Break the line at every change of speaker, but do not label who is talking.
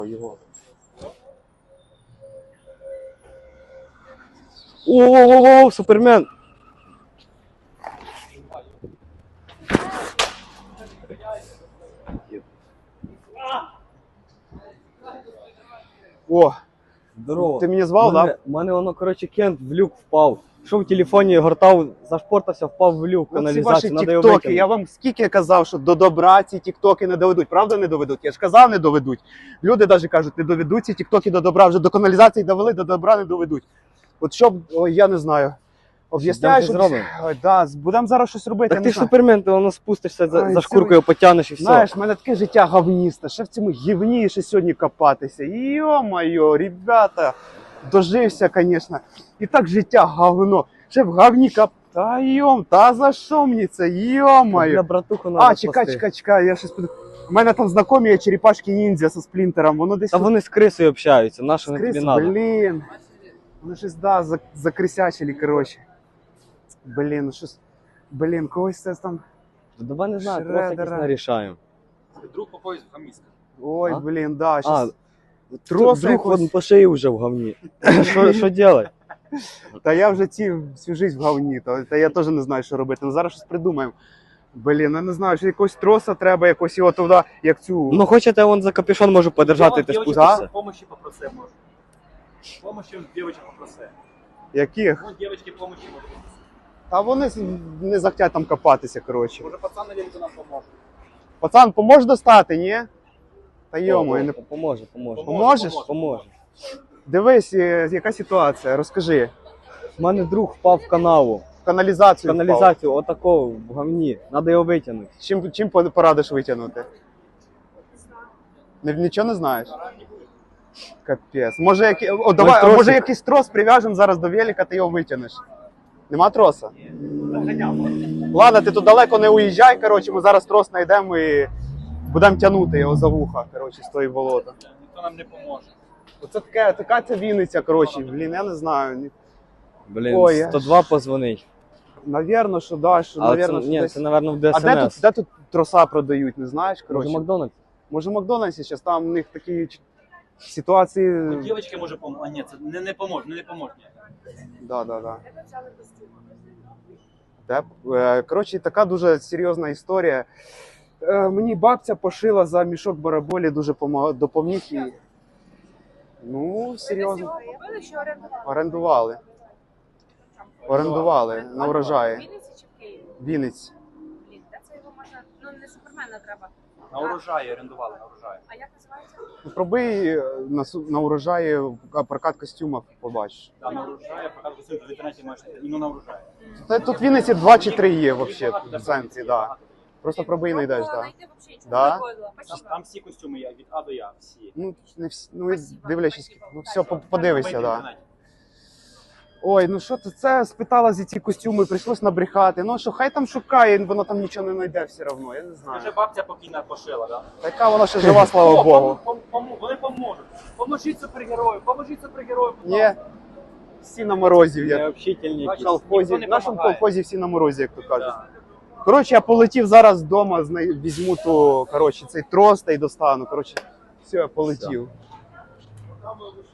Його. О, Супермен!
О,
Здорово.
ти мені звав, так?
У мене воно, коротше, кент в люк впав. Що в телефоні гортав, зашпортався, впав в люк,
Ці ваші
каналізацію, треба його
тіктоки,
витягнути.
я вам скільки казав, що до добра ці тіктоки не доведуть. Правда не доведуть? Я ж казав, не доведуть. Люди навіть кажуть, не доведуть ці тіктоки до добра. Вже до каналізації довели, до добра не доведуть. От щоб, ой, я не знаю. Об'ясняю,
Що
що...
зробимо?
Ой, да, будемо зараз щось робити,
Так
я
ти
не
ж
знаю.
Супермен, ти воно спустишся,
Ой,
за
це
шкуркою потягнеш і все.
Знаєш, в мене таке життя говністе, ще в цьому гівні ще сьогодні копатися. Йо-моє, ребята, дожився, звісно. І так життя говно. Ще в говні Та йом, та за що мені це? Йо-моє.
Для братуху надо
А, чекай, я щось У мене там знайомі є черепашки ніндзя зі сплінтером, воно десь...
Та вони з крисою общаються, на що вони тобі надо?
Блін. Вони щось, да, закрисячили, коротше. Блін, ну щось... Блін, когось це там...
Давай не знаю, трохи якось
Шредера.
нарішаємо.
Друг по поїзду хаміска.
Ой,
А?
блін, да, щас...
Друг
якось-
он по шиї вже в говні. Що делать?
Та я вже всю жизнь в говні, та я теж не знаю, що робити. Ну зараз щось придумаємо. Блін, я не знаю, що якогось троса треба, якось його туди, як цю...
Ну хочете, он за капюшон можу подержати, ти спустишся.
Помощи попроси, може. Помощи дівчат попроси.
Яких?
Ну, дівчатки помощи може.
Та вони не захотять там копатися, коротше.
Може пацан на велику нам поможе.
Пацан, поможеш достати, ні? Та йому, я не...
Поможе.
Поможеш?
Поможе.
Дивись, яка ситуація, розкажи.
У мене друг впав в канаву.
В каналізацію впав.
Каналізацію отако в говні. Надо його витягнути.
Чим порадиш витягнути? Нічого не знаєш? Капець. Може, давай,
тросик.
може якийсь трос прив'яжемо зараз до велика, ти його витягнеш. Нема троса? Ладно, ти тут далеко не уїжджай, коротше, ми зараз трос знайдемо і будемо тягнути його за вуха, коротше, з тої болота.
Ніхто нам не поможе.
Оце така ця Вінниця, коротше, блін, я не знаю.
Блін,
Ой, я
102 позвонить.
Навірно, що да, що,
Але
навірно,
це,
що
ні,
десь...
це, напевно, в
А
ДСНС.
де тут троса продають, не знаєш,
Може,
коротше?
Макдональдс?
Може в Макдональдсі зараз, там у них такі ситуації...
Ну, дівчатки може поможе. А ні, це не поможе, не поможе.
Да. Коротше, така дуже серйозна історія. Мені бабця пошила за мішок бараболі, дуже допоміг їй. Ну, серйозно.
Купили чи орендували?
Орендували на
В
урожаї.
Вінниці чи в Києві?
Вінниць.
Блін, де це його можна... Ну, не Супермена треба.
На урожаї орендували, на урожаї.
А як називається?
Ну, пробий на урожаї прокат костюмів, побачиш.
Да, на урожаї, поки костюм в інтернеті маєш, ну на урожаї.
Тут в Вінниці 2 чи 3 є взагалі в центрі, да. Просто пробий знайдеш, так.
Знайти взагалі нічого
Да?
не виходило. Спасибо.
Там всі костюми є, від А до Я, всі.
Ну, не всі, ну, і дивлячись, ну все, подивися,
Ми в
да.
інтернеті.
Ой, ну що це спитала за ці костюми, прийшлось набрехати. Ну що, хай там шукає, воно там нічого не знайде все одно, я не знаю.
Вже бабця покійна пошила, да?
Така вона ще жива, слава Богу.
Вони поможуть. Поможіть супергерою, поможіть супергерою.
Ні, всі на морозі. Я
Необщительні
в
якісь.
колхозі,
ніхто не
в нашому
помагає.
колхозі всі на морозі, як то кажуть.
Да.
Коротше, я полетів зараз вдома, візьму ту, коротше, цей трос та й достану. Коротше, все, я полетів.